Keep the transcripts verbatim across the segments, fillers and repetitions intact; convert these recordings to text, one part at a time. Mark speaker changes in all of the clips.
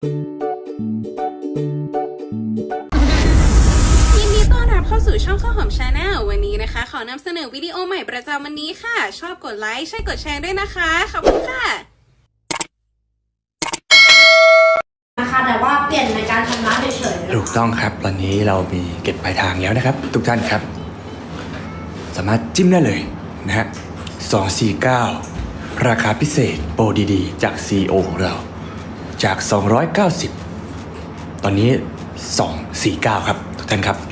Speaker 1: ยินดีต้อนรับเข้าสู่ช่องข้าวหอมชาแนลวันนี้นะคะขอนำเสนอวิดีโอใหม่ประจำวันนี้ค่ะชอบกดไลค์ใช่กดแชร์ด้วยนะคะขอบคุณค่ะ
Speaker 2: นะคะแต่ว่าเปลี่ยนในการชำระเฉยๆ
Speaker 3: ถูกต้องครับตอนนี้เรามีเก็บปลายทางแล้วนะครับ ทุกท่านครับ สามารถจิ้มได้เลยนะฮะสองสี่เก้าราคาพิเศษโปรดีๆ จาก ซี อี โอ ของเราจากสองร้อยเก้าสิบตอนนี้สองสี่เก้าครับทุกท่านครับ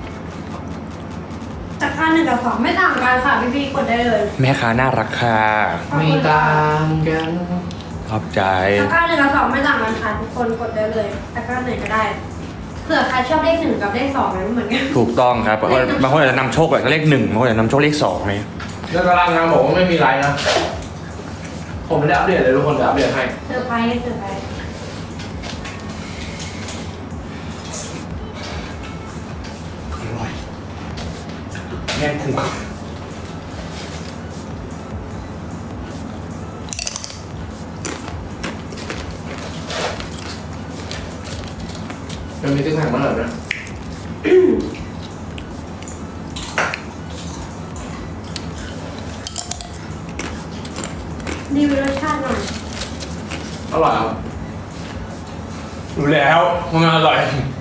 Speaker 2: จากค่าหนึ่งกับสองไม่ต่างกันค่ะพี่พี่ๆกดได้เลย
Speaker 3: แม่ค้าน่ารักค่ะ
Speaker 4: ไม่ต่างกัน
Speaker 3: ขอบใจ
Speaker 2: จากค่าหนึ่งกับสองไม่ต่างกันค่ะทุกคนกดได้เลยจากค่าไหนก็ได้เผื่อใครชอบเลขหนึ่งกับเลขสองไม่เหมือนกัน
Speaker 3: ถูกต้องครับบางคนบางคนอาจจะนำโชคแบบเลขหนึ่งบางคนอาจจะนำโชคเลขสองไหม
Speaker 4: แล้วกำลังนะบอกว่าไม่มีไรนะ ผมไม่ได้อัปเดตเลยทุกคนจะอัปเดตให้
Speaker 2: เซอร์ไพรส์เซอร์ไพรส์
Speaker 3: อร่อยแน่นคุ้ม
Speaker 4: มันมีติ๊กแท็กมาหน่อยนะ
Speaker 2: รีวิวรสชาติหน่อย
Speaker 4: อร่อยครับ
Speaker 3: รู้แล้วว่ามันอร่อย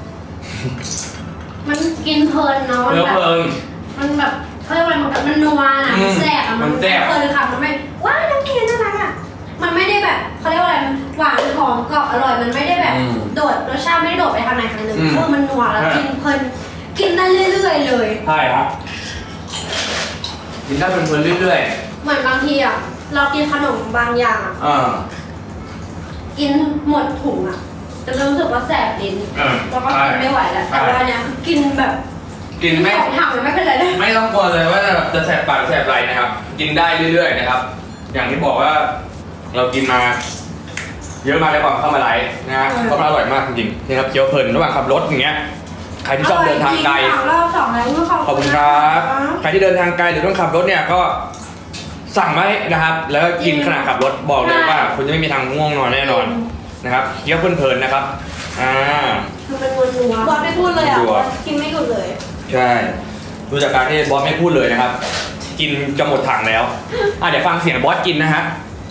Speaker 2: มันกินเพลินเนาะมัน
Speaker 3: เนื้อ
Speaker 2: แบบ
Speaker 3: เพลิน
Speaker 2: มันแบบเขาเรียกว่าอะไรมันแบบมันนัวน่ะ
Speaker 3: อื
Speaker 2: มัน
Speaker 3: ม
Speaker 2: แซ่บอ่ะ
Speaker 3: มันแซ่บ
Speaker 2: เพลินค่ะมันไม่ว้ายน้ำเค็มน่ารักอ่ะมันไม่ได้แบบเขาเรียกว่าอะไรมันหวานหอมกรอบอร่อยมันไม่ได้แบบ
Speaker 3: อืม
Speaker 2: โดดรสชาติไม่ได้โดดไปทางไหนทางหนึ่ง
Speaker 3: อืม
Speaker 2: เออมันนัวแล้ว
Speaker 3: ใช่
Speaker 2: กินเพลินกินได้เรื่อยๆเลย
Speaker 3: ใช่ครับ
Speaker 4: กินได้เป็นเพลินเรื่อย
Speaker 2: เหมือนบางทีอ่ะเรากินขนมบางอย่างอะ
Speaker 3: อ่า
Speaker 2: กินหมดถุงอ่ะจะรู้สึกว่าแสบลิ้น
Speaker 3: อ่า
Speaker 2: แล้วก็
Speaker 3: ใช่
Speaker 2: กินไม่ไหวแล้ว
Speaker 3: ใช่
Speaker 2: แต่ว่าเนี้ยกินแบบ
Speaker 3: กินไม่
Speaker 2: ของทำมันไม่เป็นไรเลย
Speaker 3: ไม่ต้องกลัวเลยว่าจะจะแสบปากแสบไรนะครับ กินได้เรื่อยๆนะครับ อย่างที่บอกว่าเรากินมา เยอะมากแล้วก่อนเข้ามาไลฟ์นะฮะเพราะมันอร่อยมากจริงๆนะครับเคี้ยวเพลินระหว่างขับรถอย่างเงี้ยใครที่ชอบเดินทางไกล
Speaker 2: อร่อยจริงๆรอบสองแล้วขอบ
Speaker 3: ขอบคุณครับ ใครที่เดินทางไกลหรือต้องขับรถเนี่ยก็สั่งไว้นะครับ แล้วก็กินขณะขับรถบอกเลยว่า คุณจะไม่มีทางง่วงนอนแน่นอนนะครับเคี้ยวเพลินๆนะครับอ่า
Speaker 2: คือมันนัวๆบอสไม่พูดเลยอ่ะ
Speaker 3: นัว
Speaker 2: กินไม่หยุดเลย
Speaker 3: ใช่ดูจากการที่บอสไม่พูดเลยนะครับ กินจะหมดถังแล้วอ่ะเดี๋ยวฟังเสียงบอสกินนะฮะ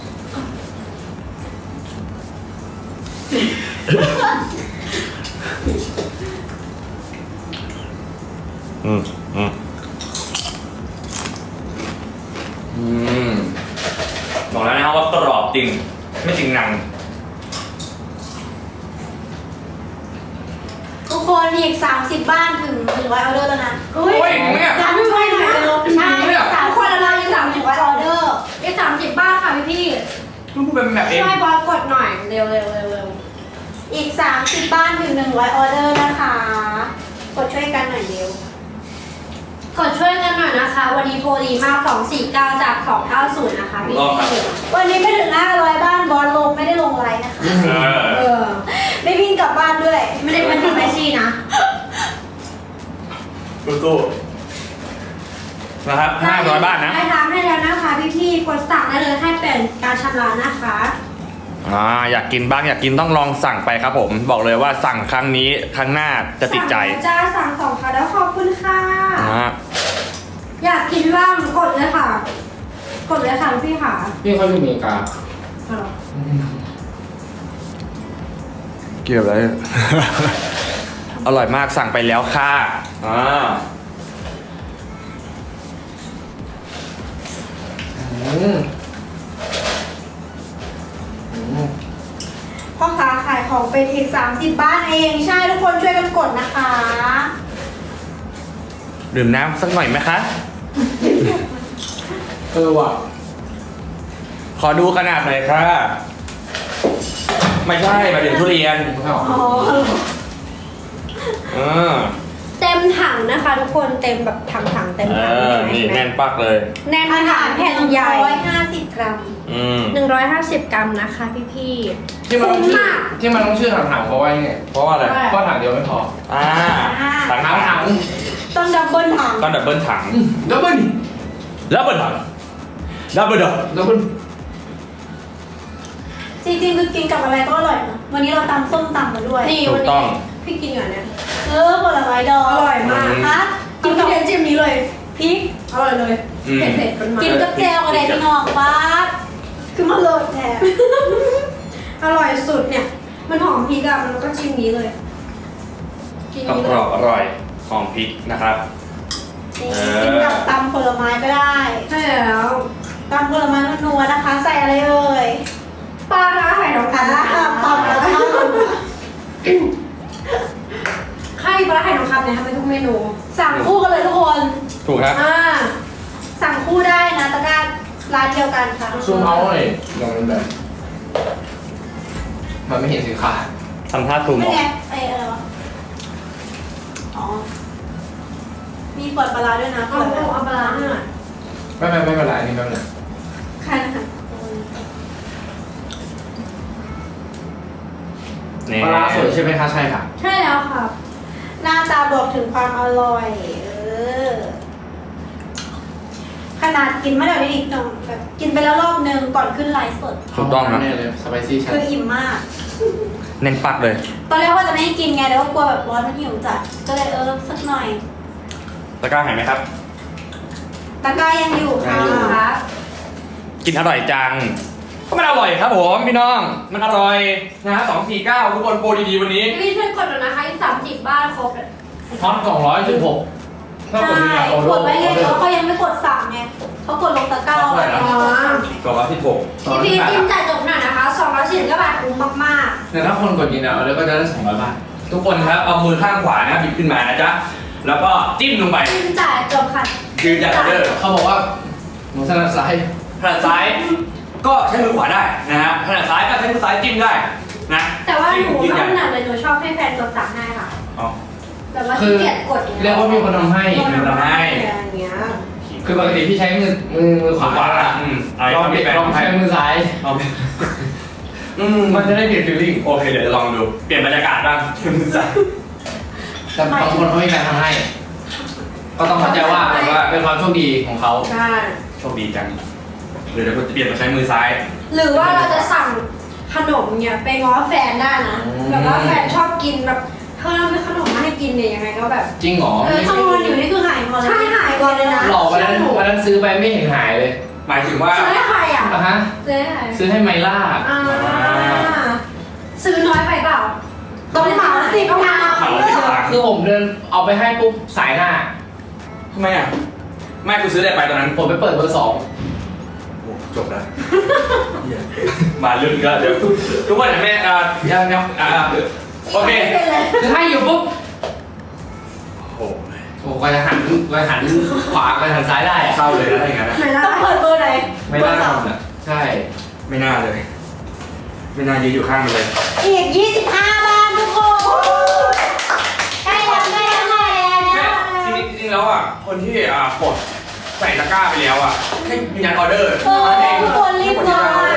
Speaker 3: อืมอืมอืมบอกแล้วนะครับว่ากรอบจริงไม่จริงหนัง
Speaker 5: ทุกคนอีกสามสิบบ้านถึงหนึ่งร้อยออเดอร์แล้วนะ
Speaker 2: อุ้ย
Speaker 3: โอ้ยเนี่ย
Speaker 2: ร้านช่วยหน่อยเร็วใช่
Speaker 3: เนี่ย
Speaker 2: สามคนละร้อยยี่สามสิบออเดอร์อีกสามสิบบ้านค่ะพี่พี่
Speaker 3: พูดเป็นแบบเอง
Speaker 2: ช่วยบอสกดหน่อยเร็วเร็วเร็วเร็ว
Speaker 5: อีกสามสิบบ้านถึงหนึ่งร้อยออเดอร์นะคะ กดช่วยกันหน่อยเร็ว
Speaker 2: กดช่วยกันหน่อยนะคะ วันนี้โปรดีมากสองสี่เก้าจากสองเก้าศูนย์นะคะพี่พี่
Speaker 5: วันนี้ไม่ถึงห้าร้อยบ้านบอลลงไม่ได้ลงไลน์นะคะ
Speaker 3: เออ
Speaker 2: เออ
Speaker 5: ไม่วิ่งกลับบ้านด้วย
Speaker 2: ไม่ได้เป็นทำไอซีนะ
Speaker 3: ตู้นะครับห้าร้อยบาทนะ
Speaker 2: ได้ร้านให้แล้วนะคะพี่พี่ๆกดสั่งได้เลยให้เปลี่ยนการชำระนะคะ
Speaker 3: อ่าอยากกินบ้างอยากกินต้องลองสั่งไปครับผม บอกเลยว่าสั่งครั้งนี้ครั้งหน้าจะติดใจ
Speaker 2: สั่งแล้วจ้าสั่งสองค่ะแล้วขอบคุณค่ะ
Speaker 3: อ่า
Speaker 2: อยากกินบ้างกดเลยค่ะ กดเลยค่ะพี่ค่ะ
Speaker 4: ๆพี่เขาอยู่อเมริกา
Speaker 2: เอาเหรอ
Speaker 3: เกี่ยวอะไร อร่อยมากสั่งไปแล้วค่ะอ่า
Speaker 4: อืมอืม
Speaker 5: พ่อค้าขายของเป็นอีกสามสิบบ้านเอง ใช่ทุกคนช่วยกันกดนะคะ
Speaker 3: ดื่มน้ำสักหน่อยไหมคะ
Speaker 4: เออว่ะ
Speaker 3: ขอดูขนาดหน่อยค่ะ ไม่ใช่หมายถึงทุเรียน
Speaker 4: ไม่ออก
Speaker 2: อ๋อ
Speaker 3: เออ
Speaker 2: เต็มถังนะคะ ทุกคนเต็มแบบถังถังๆเต็ม
Speaker 3: เอ
Speaker 2: ถัง
Speaker 3: อนี่แน่นปักเลย
Speaker 2: แน่น
Speaker 5: อา
Speaker 2: ถั
Speaker 5: หาง ร
Speaker 2: แผ่นใหญ่
Speaker 5: ร้อยห้าสิบกรัม
Speaker 3: อืม
Speaker 2: หนึ่งร้อยห้าสิบกรัมนะคะพี่พี่
Speaker 4: ที่มันต้องชื่อ
Speaker 2: คุ้มมาก
Speaker 4: ที่มันต้องชื่อถังๆเพราะว่าไง
Speaker 3: เพราะว่าอะไร
Speaker 4: เพราะถังเดียวไม่พอ
Speaker 3: อ่าถัง
Speaker 4: ถังถัง
Speaker 5: ต้องดับเบิลถัง
Speaker 3: ต้องดับเบิลถัง
Speaker 4: ดับเบิ้ล
Speaker 3: ดับเบิลถังดับเบิลถัง
Speaker 4: ดับเบิ้ล
Speaker 5: จริงๆคือกินกับอะไรก็อร่อยนะวันนี้เราตำส้มตำมาด้วย
Speaker 2: นี่
Speaker 3: ถู
Speaker 2: วัน
Speaker 3: กต้
Speaker 2: นี้
Speaker 3: อง
Speaker 2: พี่กินอย่างเนี้ย
Speaker 5: เออผลไม้ดอง
Speaker 2: อร่อยมาก
Speaker 5: ฮะ
Speaker 2: กินกับเทียนจิ้มนี้เลย
Speaker 5: พริก
Speaker 2: อร่อยเลย
Speaker 3: อืม
Speaker 2: เผ็ดๆมันมา
Speaker 5: กินกับแจวอะไรพี่น้องป้าคือมาโหลดแทน
Speaker 2: อร่อยสุดเนี่ย มันหอมพริกอะมันก็จิ้มนี้เลยกิน
Speaker 3: กรอบ
Speaker 2: นี้
Speaker 3: ก
Speaker 2: เล
Speaker 3: รอย บอร่อยหอมพริกนะครับ
Speaker 5: นี่
Speaker 3: เออ
Speaker 5: กินกับตำผลไม้ก็ได้
Speaker 2: ใช่แล้ว
Speaker 5: ตำผลไม้นัวๆนะคะ ใส่อะไรเอ่ย
Speaker 2: ปลาร้าไข่ทอง
Speaker 5: อ่า
Speaker 2: คำ
Speaker 5: ตำแล้วค่ะ
Speaker 2: ไข่ปลาร้าไข่ทองคำเนี่ยทำเป็นทุกเมนู
Speaker 5: สั่งคู่กันเลยทุกคน
Speaker 3: ถูกครับ
Speaker 2: อ่า
Speaker 5: สั่งคู่ได้นะตะกร้าร้านเดียวกันค่ะ
Speaker 4: ซูมเอาหน่อยลองมันแบบมันไม่เห็นสินค้า
Speaker 3: ทำท่าคลุม
Speaker 5: ไม่
Speaker 3: ออก
Speaker 5: ไงไอ้อะไรวะ อ๋อ มีเปิดปลาร้าด้วยนะ
Speaker 2: เอา
Speaker 5: เปิด
Speaker 2: เอาเอาปลาร้าให้หน่อย
Speaker 4: ไม่ไม่ไม่เป็นไรอันนี้ไม่เป็นไร
Speaker 5: ใครนะคะ
Speaker 3: นี่
Speaker 4: ปลาร้าสวยใช่ไหมคะใช่ค่ะ
Speaker 2: ใช่แล้วค่ะ
Speaker 5: หน้าตาบอกถึงความอร่อย เออ ขนาดกินไม่ได้อีกหน่อยแบบกินไปแล้วรอบนึงก่อนขึ้นไลฟ์สด
Speaker 3: ถูกต้องครับ
Speaker 4: แน่เลยสไปซี่ชัด
Speaker 5: คืออิ่มมาก
Speaker 3: เน้นปักเลย
Speaker 5: ตอนแรกว่าจะไม่ให้กินไงแต่ว่ากลัวแบบร้อนมันหิวจัด ก็เลยเออสักหน่อย
Speaker 3: ตะกร้าหายไหมครับ
Speaker 5: ตะกร้ายังอยู่ค่ะ
Speaker 3: ยังอยู่
Speaker 5: ครับ
Speaker 3: กินอร่อยจัง ก็มันอร่อยครับผมพี่น้อง มันอร่อยนะฮะสองสี่เก้าทุกคนโปรดีๆวันนี้
Speaker 2: พี่ช่วยกดหน่อยนะคะอีกสามสิบบ้านครบเลย
Speaker 4: ฮอตสองร้อยสิบหกถ้ากดดู
Speaker 5: ใช่
Speaker 4: เนี่ยโอโล
Speaker 5: กดไว้ไง
Speaker 4: โอโล
Speaker 5: เขาเขายังไม่กดสั่งไงเขากดลงตะกร้าไว้ไงไม่กดสั่งไง
Speaker 3: สองร้อยสิบหก
Speaker 2: พี่พีจิ้มจ่ายจบหน่อยนะคะสองร้อยสี่สิบเก้าบาทคุ้มมาก
Speaker 4: แต่ถ้าคนกดกินเนี่ยเอาแล้วก็จะได้สองร้อยบาท
Speaker 3: ทุกคนครับ เอามือข้างขวานะบิดขึ้นมานะจ๊ะ แล้วก็จิ้มลงไป
Speaker 2: ๆจิ้มจ่ายจบค่ะ
Speaker 3: ยืนยันออเดอร์
Speaker 4: เขาบอกว่าหนูถนัดซ้าย
Speaker 3: ถนัดซ้าย ก็ใช้มือขวาได้นะฮะถนัดซ้ายก็ใช้มือซ้ายจิ้มได้นะ
Speaker 2: แต่ว่าหนู
Speaker 3: ยืน
Speaker 2: ไม่
Speaker 3: ยัน
Speaker 2: ถนัดเลยหนูชอบให้แฟนกดตักให้ค่ะ
Speaker 3: อ๋อ
Speaker 2: แบบว่า
Speaker 4: คื
Speaker 2: ขี้
Speaker 4: อ
Speaker 2: เกียจกดอย่าง
Speaker 4: เรี
Speaker 2: เงี้
Speaker 4: ย
Speaker 2: ย
Speaker 4: กว่ามีคนทำให้
Speaker 3: มีคนทำให้
Speaker 2: อย่างเงี้ย
Speaker 4: คือปกติพี่ใช้มือมือมือข
Speaker 3: ขวาว
Speaker 4: า
Speaker 3: ขวาอืมอะไร
Speaker 4: ลอง
Speaker 3: ก็ไม่
Speaker 4: เปลี่ยน
Speaker 3: แปล
Speaker 4: ลองใช้มือซ้าย
Speaker 3: เอาไปอืม
Speaker 4: มันจะได้เปลี่ยนฟีลลิ่ง
Speaker 3: โอเคเดี๋ยวจะลองดู เปลี่ยนบรรยากาศบ้างมือซ้าย
Speaker 4: แต่บางคนเขาไม่มีการทำให้ ก็ต้องเข้าใจว่าเป็นความโชคดีของเขา
Speaker 2: ใช่
Speaker 3: โชคดีจังเดี๋ยวเดี๋ยวจะเปลี่ยนมาใช้มือซ้าย
Speaker 2: หรือว่าเราจะสั่งขนมเนี่ยไปง้อแฟนได้นะ
Speaker 3: อืม
Speaker 2: แบบว่าแฟนชอบกินแบบเธอไม่ขนมมาให้กินเนี่ยยังไงก็แบบ
Speaker 4: จริงเหรอ
Speaker 2: เออ
Speaker 5: ถ้านอนอยู่นี่คือหายหมดเลย
Speaker 2: ใช่หายก่อนเลยนะ
Speaker 4: หลอกวันนั้นวันนั้นซื้อไปไม่เห็นหายเลย
Speaker 3: หมายถึงว่า
Speaker 2: ซื้อให้ใครอ่ะ
Speaker 4: อ่ะฮะ
Speaker 2: ซื้อให้ใคร
Speaker 4: ซื้อให้ไมล่า
Speaker 2: อ่าซื้อน้อยไปเปล่า
Speaker 5: ต้องเหมาสิบทาง
Speaker 3: เหมาสิบทาง
Speaker 4: คือผมเดินเอาไปให้ปุ๊บสายหน้า
Speaker 3: ทำไมอ่ะไม่กูซื้ออะไรไปตอนนั้น
Speaker 4: ผมไปเปิดเบอร์สอง
Speaker 3: โอ้จบแล้วเหี้ยมาลึกแล้วเดี๋ยวทุกคนเห็นไหมอ่ายังยังอ่าโอเค
Speaker 4: คือให้อยู่ปุ๊บ
Speaker 3: โอ้โห
Speaker 4: โอ้ก็จะหันก็จะหันขวาก็จะหันซ้ายได้อะ
Speaker 3: เข้าเลยนะถ้าอย่างนั้นนะ
Speaker 2: ไม่ได้
Speaker 5: ต้องเปิดเบอร์ไหน
Speaker 4: ไม่น่าทำอ่ะใช่
Speaker 3: ไม่น่าเลย ไม่น่ายืนอยู่ข้างมันเลย
Speaker 5: อีกยี่สิบห้าบ้านทุกคนใกล้แล้วใกล้แล้วใกล้แล้ว
Speaker 3: แม่จริงๆจริงๆแล้วอ่ะคนที่อ่ากดใส่ตะกร้าไปแล้วอ่ะให้ยืนยันออเดอร์
Speaker 5: เออทุกคนรีบเลย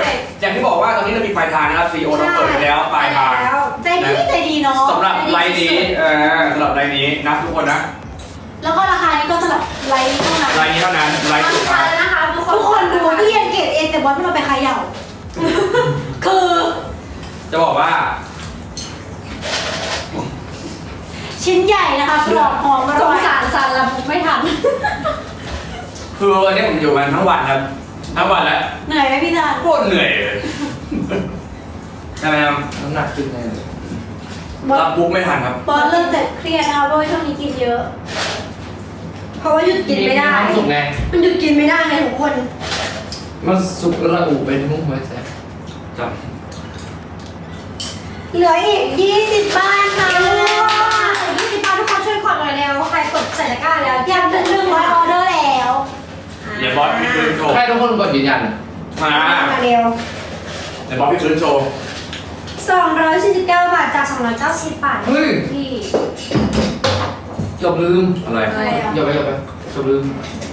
Speaker 3: อย่างที่บอกว่าตอนนี้เรามีปลายทางนะครับซีโอเราเปิดไปแล้วปลายทาง
Speaker 5: ใจดีใจดีเนาะ
Speaker 3: สำหรับไลน์นี้เออสำหรับไลน์นี้นะทุกคนนะ
Speaker 5: แล้วก็ราคานี้ก็สำหรับไลน์นี้เท่านั้น
Speaker 3: ไลน์นี้เท่านั้นไลน์สุด
Speaker 2: ทา
Speaker 3: ท้าย
Speaker 2: นนะคะทุกคน
Speaker 5: ทุกคนดูที่ยังเกตเองแต่บอสไม่เราไปขายเหย่าคือ
Speaker 3: จะบอกว่า
Speaker 5: ชิ้นใหญ่นะคะกรอบหอมอ
Speaker 2: ส
Speaker 5: ร่อง ย
Speaker 2: สารสันละมุกไม่ทัน
Speaker 3: คือวันนี้ผมอยู่มันทั้งวันครับทั้งวันแล้ว
Speaker 5: เหนื่อยไหมพี่จาน
Speaker 3: โคตรเหนื่อยเลยใช่ไหมครับ
Speaker 4: น้ำหนักขึ้นแน่เลย
Speaker 5: บอส
Speaker 3: รับบุ๊กไม่ทันครับ
Speaker 5: บอสเริ่มจะเครียดนะคะเพราะว่าช่วงนี้กินเยอะ
Speaker 2: เพราะว่าหยุดกินไม่ได้
Speaker 4: ความสุขไง
Speaker 2: มันหยุดกินไม่ได้ไงทุกคน
Speaker 4: มันสุกระอุไปทั้งหัวใจ
Speaker 3: จับ
Speaker 5: เหลืออีกยี่สิบบ้านค่ะ
Speaker 2: ยี่สิบบาททุกคนช่วยกดหน่อยเร็วใครกดใส่ตะกร้าแล้ว
Speaker 5: อยากจะหนึ่งร้อยออเดอร์แล้ว
Speaker 3: เดี๋ยวบอสพี่คืนโชว์
Speaker 4: ให้ทุกคนกดยืนยัน
Speaker 3: มา
Speaker 2: มาเร็ว
Speaker 3: เดี๋ยวบอสพี่คืนโชว์
Speaker 2: สองร้อยสี่สิบเก้าบาทจากสองร้อยเก้าสิบบาท
Speaker 4: เฮ้ย
Speaker 2: ที่
Speaker 4: เกือบลืม
Speaker 3: อะไร
Speaker 2: อะไรอ่ะ
Speaker 4: อย่าไปอย่าไปเกือบลืม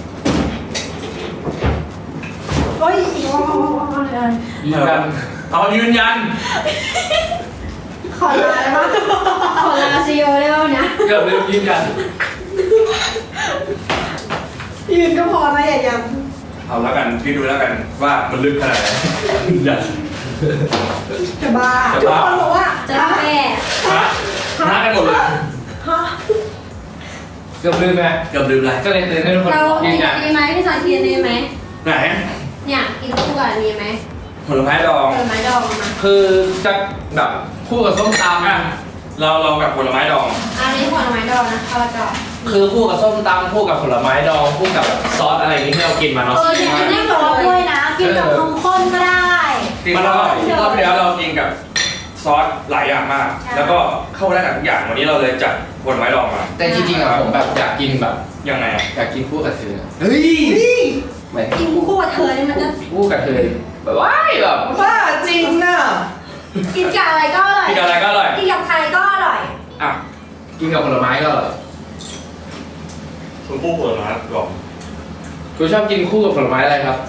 Speaker 5: โอ้ย
Speaker 4: ยืนยัน
Speaker 3: เอายืนยัน
Speaker 2: ขอลาได้ปะขอลาซีโอได้ปะเนี่ย
Speaker 4: เกือบลืมยืนยัน
Speaker 5: ยืนก็พอนะอย่าย้
Speaker 3: เอาแล้วกันพี่ดูแล้วกันว่ามันลึกขนาดไหนยืนยัน
Speaker 5: ำจะบ้า
Speaker 3: จะ
Speaker 5: ทุก
Speaker 3: บ้า
Speaker 5: คนบอกว่าจะแม่
Speaker 3: ฮะฮะกันหมดเลย
Speaker 5: ฮะ
Speaker 4: เกือบลืมไหม
Speaker 3: เกือบลืมเลย
Speaker 4: ก็เลยเตือนให้ทุกคน
Speaker 5: เรา
Speaker 4: ยื
Speaker 5: กิ
Speaker 4: น
Speaker 5: น
Speaker 4: ยั
Speaker 5: อั
Speaker 4: น
Speaker 5: นนี้ไหมพี่สายกินอันนี้ไหม
Speaker 3: ไหน
Speaker 5: เนี่ยกินคู่กับอันนี้ไหม
Speaker 3: ผลไม้ดอง
Speaker 5: ผลไม้ดองมา
Speaker 4: คือจะแบบคู่กับส้มตำ
Speaker 3: อ่ะเราเรากับผลไม้ดอง
Speaker 5: อันนี้ผลไม้ดองนะข้าวจอ
Speaker 4: คือคู่กับส้มตำคู่กับผลไม้ดองคู่กับแบบซอสอะไรอย่างนี้ที่เรากินมาเนาะ
Speaker 5: เออเนี่ยกินได้ซอสด้วยนะ กินกับนมข้นก็ได้
Speaker 3: มันอร่อยรอบที่แล้วเรากินกับซอสหลายอย่างมาก
Speaker 5: ใช่
Speaker 3: แล้วก็เข้าได้กับทุกอย่างวันนี้เราเลยจัดผลไม้ดองมา
Speaker 4: แต่จริงๆอะผมแบบอยากกินแบบ
Speaker 3: ยังไงอ่ะ
Speaker 4: อยากกินคู่กับเธอ
Speaker 3: เฮ้ย
Speaker 4: ไม่
Speaker 5: กินคู่กับเธอเนี่ยมันจะ
Speaker 4: คู่กับเธอแบบว้ายแบบ
Speaker 3: บ้าจริงน่ะ
Speaker 5: กินกับอะไรก็อร่อย
Speaker 3: กินกับอะไรก็อร่อย
Speaker 5: กินกับใครก็อร่อย
Speaker 3: อ่ะ
Speaker 4: กินกับผลไม้ก็อร่อย
Speaker 3: คุณผู้ผลไม้ดอง
Speaker 4: คุณชอบกินคู่กับผลไม้อะไรครับ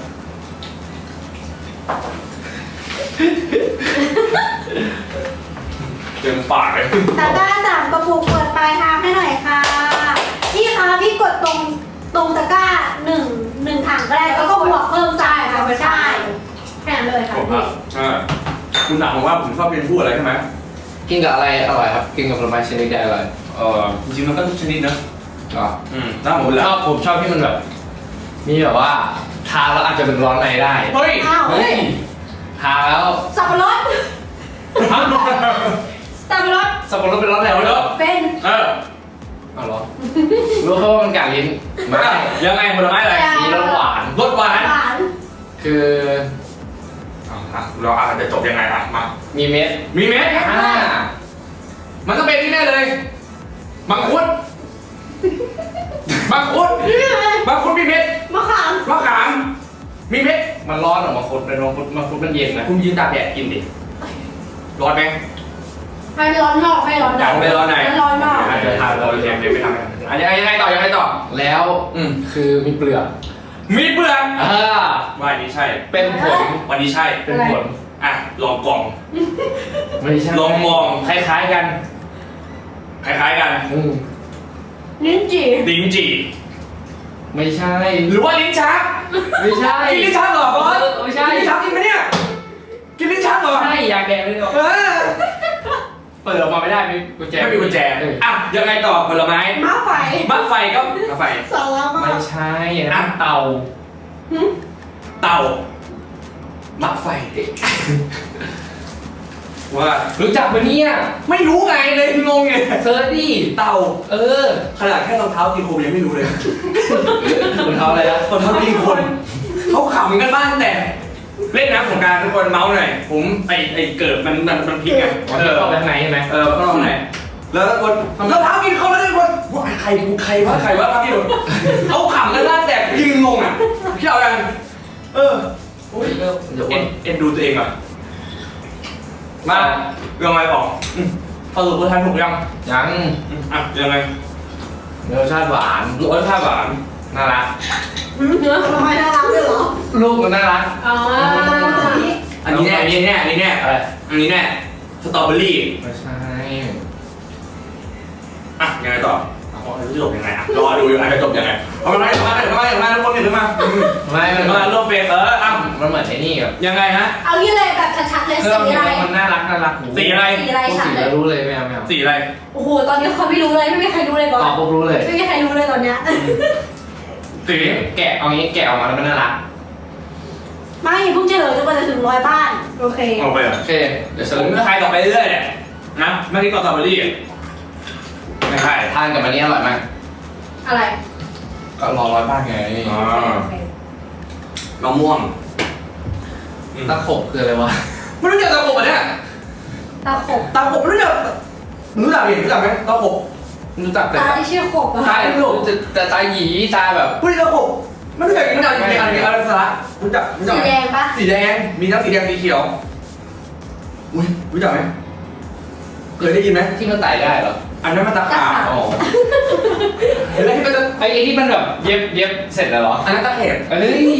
Speaker 3: เต็มปากเลย
Speaker 5: ตะกร้าสามกระปุกเปิดปลายทางให้หน่อยค่ะพี่คะพี่กดตรงตรงตะกร้าหนึ่งหนึ่งถังก็ได้แล้วก็บวกเพิ่มจ่ายค่ะไม่ใช่แค่นั้นเลยค่ะ
Speaker 3: ผม
Speaker 5: พี่
Speaker 3: อ่ะอ่าคุณถามผมว่าผมชอบกินผู้อะไรใช่ไหม
Speaker 4: กินกับอะไรอร่อยครับ กินกับผลไม้ชนิดใดอร่อย
Speaker 3: เออจริงๆมันก็ทุกชนิดนะ
Speaker 4: ก็
Speaker 3: อืมถ้าผม
Speaker 4: ผม
Speaker 3: แล้
Speaker 4: ช
Speaker 3: ว
Speaker 4: อบผมชอบที่มันแบบ มีแบบว่าทาแล้วอาจจะเป็นร้อนในได้
Speaker 3: เฮ้ย
Speaker 5: อ้าว
Speaker 4: เฮ้ยทาแล้ว
Speaker 5: สับปะรด
Speaker 4: ฮะ
Speaker 5: สับปะรด
Speaker 4: สับปะรดเป็นร้อนในเหรอ
Speaker 5: เป็น
Speaker 3: เออ
Speaker 4: เอาเหรอรู้แค่ว่ามันกัดลิ้นไม่
Speaker 3: ยังไงผลไม้อะไร
Speaker 4: มีรสหวาน
Speaker 3: รสหวาน
Speaker 5: หวาน
Speaker 4: คือ
Speaker 3: อ่ะเราอาจจะจบยังไงอ่ะมา
Speaker 4: มีเม็ด
Speaker 3: มีเม็ด
Speaker 4: อ่า
Speaker 3: มันก็เป็นที่แน่เลยมังคุดมังคุดมังคุดมีเม็ด
Speaker 5: มะขาม
Speaker 3: มะขามมีเม็ด
Speaker 4: มันร้อนออกมาคุดเป็นมังคุดมังคุดมันเย็นนะ
Speaker 3: คุณยืนตากแดดกินดิร้อนไหม
Speaker 5: ไม่ร้อนนอกไม่ร้อนใน
Speaker 3: อยากไปร้อนไหน
Speaker 5: ไม่ร้อนนอก
Speaker 3: อาจจะทานเราเรียนเดี๋ยวไปทำกันอันยังไงยังไงต่อยังไงต่อ
Speaker 4: แล้ว
Speaker 3: อืม
Speaker 4: คือมีเปลือก
Speaker 3: มีเปลือก
Speaker 4: อ่า
Speaker 3: ว่าอันนี้ใช่
Speaker 4: เป็นผล
Speaker 3: วันนี้ใช่
Speaker 4: เป็นผล
Speaker 3: อ่ะลองกล่อง
Speaker 4: ไม่ใช่
Speaker 3: ลองมอง
Speaker 4: คล้ายๆกัน
Speaker 3: คล้ายๆกัน
Speaker 4: อืม
Speaker 5: ลิ้นจี่
Speaker 3: ลิ้นจี่
Speaker 4: ไม่ใช่
Speaker 3: หรือว่าลิ้นชัก
Speaker 4: ไม่ใช่
Speaker 3: กินลิ้นชักเหรอบอส
Speaker 4: ไม่ใช่
Speaker 3: กินลิ้นชักกินไหมเนี่ยกินลิ้นชักเหรอ
Speaker 4: ใช่อยากแดงเลยเหรอ
Speaker 3: เออ
Speaker 4: เปิดออกมาไม่ได้มีกุญแจ
Speaker 3: ไม่มีกุญแจ
Speaker 4: เออ
Speaker 3: อ่ะยังไงต่อผลไม้
Speaker 5: ม้าไฟ
Speaker 3: มัดไฟก็มะไฟ
Speaker 5: สาระมา
Speaker 4: ไม่
Speaker 5: ก
Speaker 4: ใช่อย่างนั้นเตา
Speaker 5: หึ
Speaker 3: เต่ามัดไฟว่า
Speaker 4: รู้จักปะเนี่ย
Speaker 3: ไม่รู้ไงเลยงงไง
Speaker 4: เซิร์ชดิ
Speaker 3: เต่า
Speaker 4: เออ
Speaker 3: ขนาดแค่รองเท้ากินโคมยังไม่รู้เลย
Speaker 4: รองเท้าอะไรนะ
Speaker 3: รองเท้ากินคนเขาขำกันบ้างแต่ เล่นน้ำสงกรารทุกคนเมาส์หน่อยผมไอไอเกิดมันมันมันพลิกไง
Speaker 4: มัน
Speaker 3: เออ
Speaker 4: เข้าไปข้างในใช่ไหม
Speaker 3: เออเข้าตรงไหนแล้วทุกคนรองเท้ากินเขาแล้วทุกคนว่าใครกูใครวะใครวะพี่โดนเขาขำกันบ้างแต่ยืนงงอ่ะพี่เอากันเออ
Speaker 4: อุ้ยเริ่มเดี๋ยว
Speaker 3: เอ็นเอ็นดูตัวเองอ่ะมาเรื่องอะไรต่ออืมสรุปว่าทานถูกยัง
Speaker 4: ยัง
Speaker 3: อืมอ่ะยังไง
Speaker 4: รสชาติหวาน
Speaker 3: รสชาติหวาน
Speaker 4: น่ารัก
Speaker 5: หึเนื้อผลไม้น่ารักด้วยเหรอ
Speaker 4: ลูกมันน่ารัก
Speaker 5: อ๋อ
Speaker 3: อันนี้แน่อันนี้แน่อันนี้แน่
Speaker 4: อะไร
Speaker 3: อันนี้แน่สตรอเบอรี่
Speaker 4: ไม่ใช่
Speaker 3: อ่ะยังไงต่อเอาเอาจะจบยังไงอ่ะรอดูอยู่อ่ะจะจบยังไงเอามาเอามาเอามาเอามาทุกคนเห็นมา
Speaker 4: ไม่มัน
Speaker 3: มาร่วมเฟสเอออ่ะ
Speaker 4: มันเหมือนไอ้นี่แบบ
Speaker 3: ยังไงฮะ
Speaker 5: เอางี้เลยแบบชัดๆเลย
Speaker 4: คือ
Speaker 5: สี
Speaker 4: เรา
Speaker 5: อะไร
Speaker 4: เห็นว่ามันน่ารักน่ารัก
Speaker 3: สีอะไร
Speaker 5: สีอะไร
Speaker 4: พูด
Speaker 5: ชัด
Speaker 4: สี
Speaker 5: เล
Speaker 4: แล้
Speaker 5: ยว
Speaker 4: รู้เลยไม่เอาไม่เอา
Speaker 3: สีอะไร
Speaker 5: โอ้โหตอนนี้เขาไม่รู้เลยไม่มีใครรู้เลยบอ
Speaker 4: ตอบ
Speaker 5: ส
Speaker 4: ปุ๊บรู้เลย
Speaker 5: ไม่มีใครรู้เลยตอนเนี้ย
Speaker 3: สี
Speaker 4: แกะเอางี้แกะออกมาแล้วมันน่ารัก
Speaker 5: ไม่เพิ่งเฉลยจนกว่าจะถึงร้อยบ้านโอเค
Speaker 3: ออกไปอ่ะ
Speaker 4: โอเคเดี๋ยวเฉ
Speaker 3: ผ
Speaker 4: ล
Speaker 3: ม
Speaker 4: ย
Speaker 3: จะทายต่อไปเรื่อยๆเนี่ยนะไม่ที่ก็สตรอเบอรี่ไม่ใช่
Speaker 4: ทานกับอันนี้อร่อยมาก
Speaker 5: อะไร
Speaker 4: ก็รอร้อยบ้านไง
Speaker 3: อ๋อ
Speaker 5: โอเค
Speaker 3: มะม่วง
Speaker 4: ตะขบคืออะไรวะ
Speaker 3: ไม่รู้จักตะขบอ่ะเนี่ย
Speaker 5: ตาขบ
Speaker 3: ตะขบไม่รู้จักรู้จักดิรู้จักไหมตะขบ
Speaker 4: รู้จักแต่
Speaker 5: ตาที่ชื่อขบอะ
Speaker 4: ตาไม่รู้แต่ตาหยีตาแบบ
Speaker 3: พูดตะขบไม่รู้จักกินอะไรกินอะไรกินอะไรสาระรู้จักรู้จัก
Speaker 5: สี
Speaker 3: ไหม
Speaker 5: แดงปะ
Speaker 3: สีแดงมีทั้งสีแดงสีเขียวอุ้ยรู้จักไหมเคยได้ยินไหม
Speaker 4: ที่มันไต่ได้เหรอ
Speaker 3: อันนั้นมันตะขาบ
Speaker 4: อ๋อ
Speaker 3: เห็นไหมที่มันจะ
Speaker 4: ไอ้ไอ้ที่มันแบบเย็บเย็บเสร็จแล้วเหรอ
Speaker 3: อันนั้นตะเข็บ
Speaker 4: เฮ้ย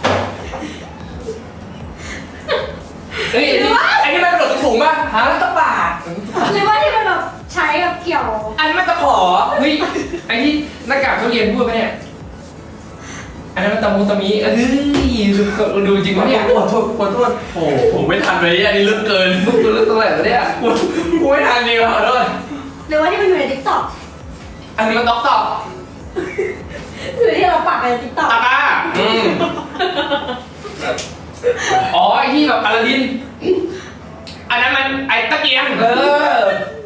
Speaker 4: เฮ้ยไอ้นี่
Speaker 3: ไอ้นี่มันกระโดดถุงป่ะฮะตะบาด
Speaker 5: หรือว่าที่มันแบบใช้แบบเกี่ยว
Speaker 3: อันนั้นมันตะขอ
Speaker 4: เฮ้ยไอ้ที่หน้ากากทุเรียนพูดไหมเนี่ย
Speaker 3: อัน
Speaker 4: นั้นมันตะมุตะมิเอ้ยดูจริงปะเนี่ย
Speaker 3: ขอโทษขอโทษโอ้ผมไม่ทันเลยอันนี้ลึกเกิน
Speaker 4: มึงดูเรื่องตรงไหนวะเนี่ย
Speaker 3: กูกูไม่ทันจริงขอโทษ
Speaker 5: หรือว่าที่มันอยู่ในทิกตอก
Speaker 4: อันนี้มันต๊อกต๊อก
Speaker 5: หรือที่เราปักในทิกตอก
Speaker 4: ตาตาอืมอ๋อไอ้ที่แบบอลาดินอันนั้นมันไอ้ตะเกียงเออ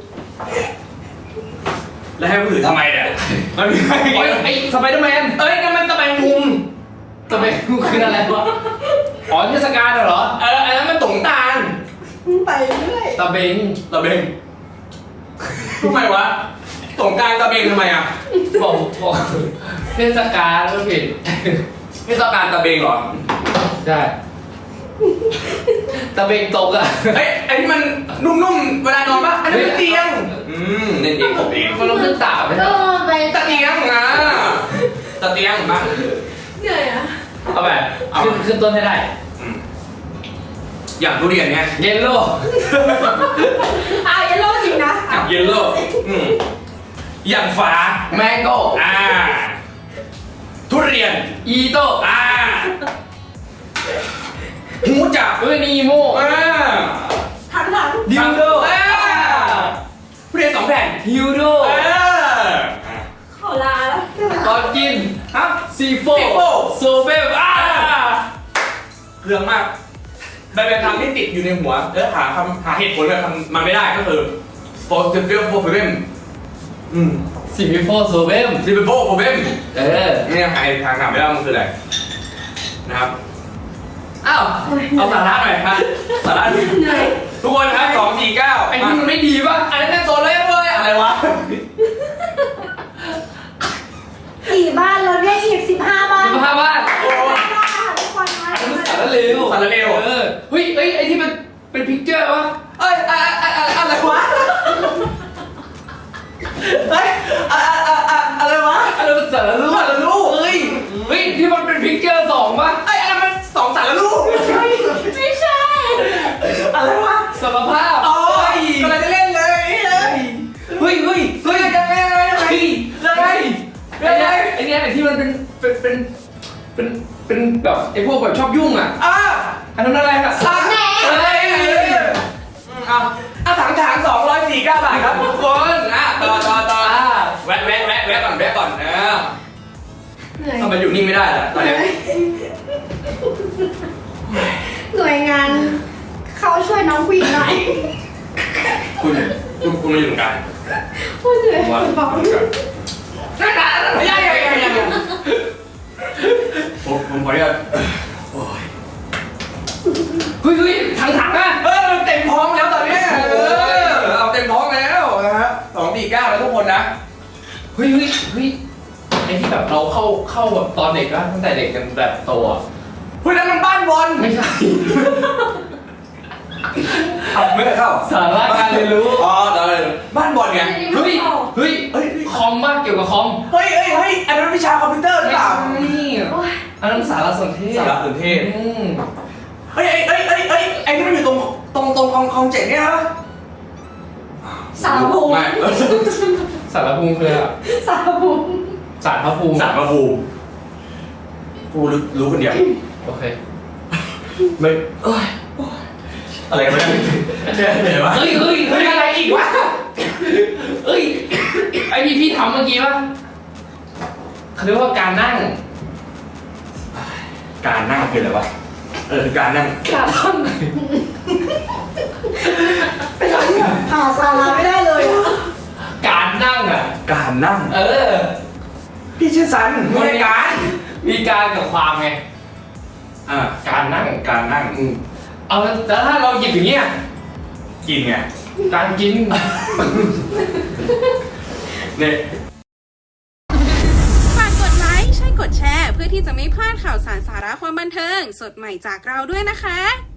Speaker 3: แล้วให้กูถือทำไมเนี่ยมันมีอะไร
Speaker 4: ไอ้ไอ้สไปเดอร์แมนเอ้ยนั่นมันตะแบงมุมตะแบงมุมคืออะไรวะอ๋อเทศกาลเหรอ
Speaker 3: เอออันนั้นมันตงตาล
Speaker 5: ไปเรื่อย
Speaker 4: ตะเบง
Speaker 3: ตะเบงทำไมวะตงกรารตะเบงทำไมอ่ะ
Speaker 4: บอกบอกเทศกาลก็ผิด
Speaker 3: ไม่ต้องการตะเบงเหรอ
Speaker 4: ใช่ตะเบงตกอะ
Speaker 3: เอ้ยไอ้ที่มันนุ่มๆเวลานอนปะอันนั้นเป็นเตียงอืมเล่นเองผมเอง
Speaker 4: มันต้องขึ้นตาไหม
Speaker 5: เออไป
Speaker 3: ตะเตียงนะตะเตียงมา
Speaker 5: เหนื่อยอ่ะ
Speaker 4: เอาแบบขึ้นขึ้นต้นให้ได้
Speaker 3: อย่างทุเรียนไง
Speaker 4: เยลโล่
Speaker 5: อ่ะยันโลจริงนะ
Speaker 3: อย่างเยลโล่อืมอย่างฟ้า
Speaker 4: แมงโก้
Speaker 3: อ่าทุเรียน
Speaker 4: อีโต้
Speaker 3: อ่าหูจับ
Speaker 4: เอ้ยนีโม
Speaker 3: อ่า
Speaker 5: ถังถัง
Speaker 3: ดิวโดอ่าทุเรียนสองแผ่น
Speaker 4: ฮิวโด
Speaker 3: อ่า
Speaker 5: ขอลาแล้ว
Speaker 4: ตอนกิน
Speaker 3: ฮะ
Speaker 4: ซีโฟ
Speaker 3: ซีโฟ
Speaker 4: โซเบมอ่า
Speaker 3: เครื่องมากใบเป็นคำที่ติดอยู่ในหัวเออหาคำหาเหตุผลแบบมันไม่ได้ก็คือ for the feel for problem อืม
Speaker 4: ซีโฟโซเบม
Speaker 3: ที่เป็น for problem
Speaker 4: เออ
Speaker 3: นี่ยังหาทางถามไม่ได้มันคืออะไรนะครับอ้าวเอาสาระหน่อยครับสาระ
Speaker 5: เหนื่อย
Speaker 3: ทุกคนครับสองสี่เก้า
Speaker 4: ไอ้นี่มันไม่ดีป่ะ
Speaker 3: อันนั้นโซนเลยเลยอะไรวะ
Speaker 5: สี่บ้านแล้วเนี่ยอีกสิบห้าบ้าน
Speaker 4: สิบห้าบ้าน
Speaker 3: โอ้
Speaker 5: ทุกคนนะ
Speaker 4: อันนั้นสารเลว
Speaker 3: สารเลว
Speaker 4: เออเฮ้ยเอ้ยไอ้ที่มันเป็นพิกเจอร์วะ
Speaker 3: เอ้ยอะอะอะอะไรวะเฮ้ยอะอะอะอะไรวะ
Speaker 4: อันนั้นมันสารลูก
Speaker 3: สารลูกเอ้ย
Speaker 4: เฮ้ยที่มันเป็นพิกเจอร์สองป่ะ
Speaker 3: ไอ้ยอันนั้นมันสองสารลูก
Speaker 5: ไม่ใช่
Speaker 3: อะไรวะ
Speaker 4: สมภาพ
Speaker 3: โอ้ยกำลังจะเล่นเลยเฮ้ย
Speaker 4: เฮ้ยเฮ้ย
Speaker 3: เฮ้
Speaker 4: เฮ้
Speaker 3: ย
Speaker 4: ย
Speaker 3: ยังไงยังไงยังไง
Speaker 4: เฮ้ย
Speaker 3: ยังไง
Speaker 4: ไอ้เนี่ยไอ้เนี่ยไอ้ที่มันเป็นเป็นเป็นเป็นเป็นแบบไอ้พวกแบบชอบยุ่งอ่ะ
Speaker 3: อ่ะ
Speaker 4: อันนั้นอะไรอ่ะ
Speaker 3: อ่ะเฮ้ยเอาอ่ะถังถังสองร้อยสี่เก้าบาทครับทุกคนอ่ะต่อต่อต่อแวะแวะแวะแวะก่อนแวะก่อนเออ
Speaker 5: เหนื่อย
Speaker 3: ทำไมอยู่นิ่งไม่ได้ล่ะตอนนี้
Speaker 5: หน่วยงานเขาช่วยน้องผู้หญิงหน่อย
Speaker 3: คุณคุณคุณมาอยู่ตรงกลาง
Speaker 5: พูดเหนื่อย
Speaker 3: ว่า
Speaker 5: บอก
Speaker 3: นั่นน่ะไม่ใช่ยังยังยังผมผมขออนุญาตโอ้ย
Speaker 4: เฮ้ยเฮ้ยถังถังอ่ะ
Speaker 3: เออมันเต็มท้องแล้วตอนนี้เออเอาเต็มท้องแล้วนะฮะสองสี่เก้าแล้วทุกคนนะ
Speaker 4: เฮ้ยเฮ้ยเฮ้ยไอ้ที่แบบเราเข้าเข้าแบบตอนเด็กอะตั้งแต่เด็กกันแบบโตอะ
Speaker 3: เฮ้ยนั่นมันบ้านบอล
Speaker 4: ไม่ใช่
Speaker 3: เอาไม่ได้เข้า
Speaker 4: สาระการเรียนรู้
Speaker 3: อ๋อเดี๋ยวเลยบ้านบอลไง
Speaker 4: เฮ้ยเฮ้ย
Speaker 3: เฮ้ย
Speaker 4: คอมมากเกี่ยวกับคอม
Speaker 3: เฮ้ยเฮ้ยเฮ้ยอันนั้นวิชาคอมพิวเตอร์หรือเปล่า
Speaker 4: นี่อันนั้นสารสนเทศ
Speaker 3: สารสนเทศ
Speaker 4: อืม
Speaker 3: เฮ้ยเฮ้ยเฮ้ยเฮ้ยไอ้ที่มันอยู่ตรงตรงตรงคลองคลองเจ็ดเนี่ยนะ
Speaker 5: สารภูมิ
Speaker 3: ไม่
Speaker 4: สารภูมิคืออะไรอะ
Speaker 5: สารภูมิ
Speaker 4: สารพระภูมิ
Speaker 3: สารพระภูมิกูรู้รู้คนเดียว
Speaker 4: โอเค
Speaker 3: ไม่เอ้ยอะไรกันเนี่ยเนี่ยเหนื่อยวะ
Speaker 4: เฮ้ยเฮ้ยเฮ้ยอะไรอีกวะเฮ้ยไอพี่พี่ทำเมื่อกี้ป่ะเขาเรียกว่าการนั่ง
Speaker 3: การนั่งคืออะไรวะเออคือการนั่ง
Speaker 4: การนั่ง
Speaker 5: เป็นอะไรที่แบบหาสาระไม่ได้เลยอะ
Speaker 4: การนั่งอ่ะ
Speaker 3: การนั่ง
Speaker 4: เออ
Speaker 3: พี่ชื่อสันไม่ใช่การ
Speaker 4: มีการกับความไง
Speaker 3: อ่า
Speaker 4: การนั่ง
Speaker 3: การนั่ง
Speaker 4: อืมเอาแล้วถ้าเราหยิบอย่างเงี้ย
Speaker 3: กินไง
Speaker 4: การกิน
Speaker 3: เนี่ย
Speaker 1: ฝากกดไลค์ใช่กดแชร์เพื่อที่จะไม่พลาดข่าวสารสาระความบันเทิง สดใหม่จากเราด้วยนะคะ